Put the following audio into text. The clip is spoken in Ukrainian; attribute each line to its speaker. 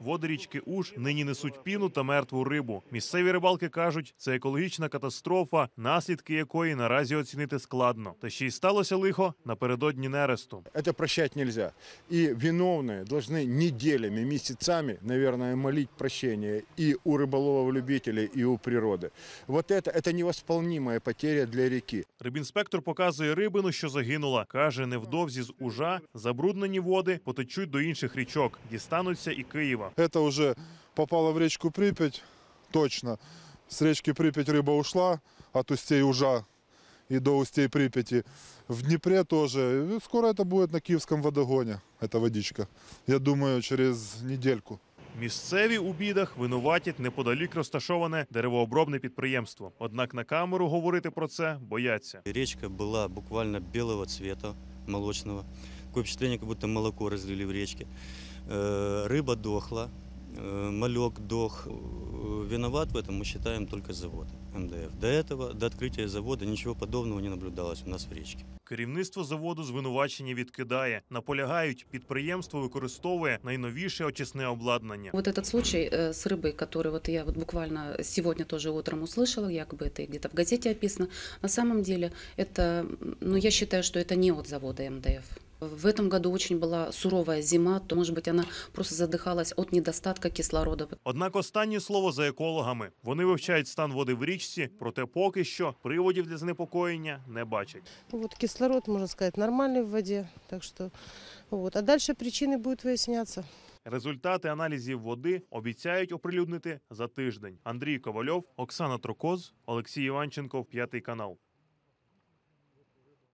Speaker 1: води річки Уж нині несуть піну та мертву рибу. Місцеві рибалки кажуть, це екологічна катастрофа, наслідки якої наразі оцінити складно. Та ще й сталося лихо напередодні нересту.
Speaker 2: Это прощать нельзя. И виновные должны неделями, месяцами, наверное, молить прощения и у рыболовов-любителей, и у природы. Вот это невосполнимая потеря для реки.
Speaker 1: Рибінспектор показує рибину, що загинула. Каже, невдовзі з Ужа забруднені води потечуть до інших річок, дістануться і Києва.
Speaker 3: Это уже попало в речку Припять, точно. С речки Припять рыба ушла от устей Ужа и до устей Припяти. В Днепре тоже. Скоро это будет на Киевском водогоне, эта водичка. Я думаю, через недельку.
Speaker 1: Місцеві у бідах винуватять неподалік розташоване деревообробне підприємство. Однак на камеру говорити про це бояться.
Speaker 4: Речка была буквально белого цвета, молочного. Такое впечатление, как будто молоко разлили в речке. Рыба дохла, малек дох. Виноват в этом, мы считаем, только завод МДФ. До этого, до открытия завода, ничего подобного не наблюдалось у нас в речке.
Speaker 1: Керівництво заводу звинувачення відкидає. Наполягають, підприємство використовує найновіше очисне обладнання.
Speaker 5: Вот этот случай с рыбой, который вот я вот буквально сегодня тоже утром услышала, якобы это где-то в газете описано, на самом деле это, ну я считаю, что это не от завода МДФ. В этом году очень была суровая зима, то, может быть, она просто задыхалась от недостатка кислорода.
Speaker 1: Однак останнє слово за екологами. Вони вивчають стан води в річці, проте поки що приводів для занепокоєння не бачать.
Speaker 6: Вот кислород, можно сказать, нормальный в воде, так что вот. А дальше причины будут выясняться.
Speaker 1: Результати аналізів води обіцяють оприлюднити за тиждень. Андрій Ковальов, Оксана Трокоз, Олексій Іванченко, 5 канал.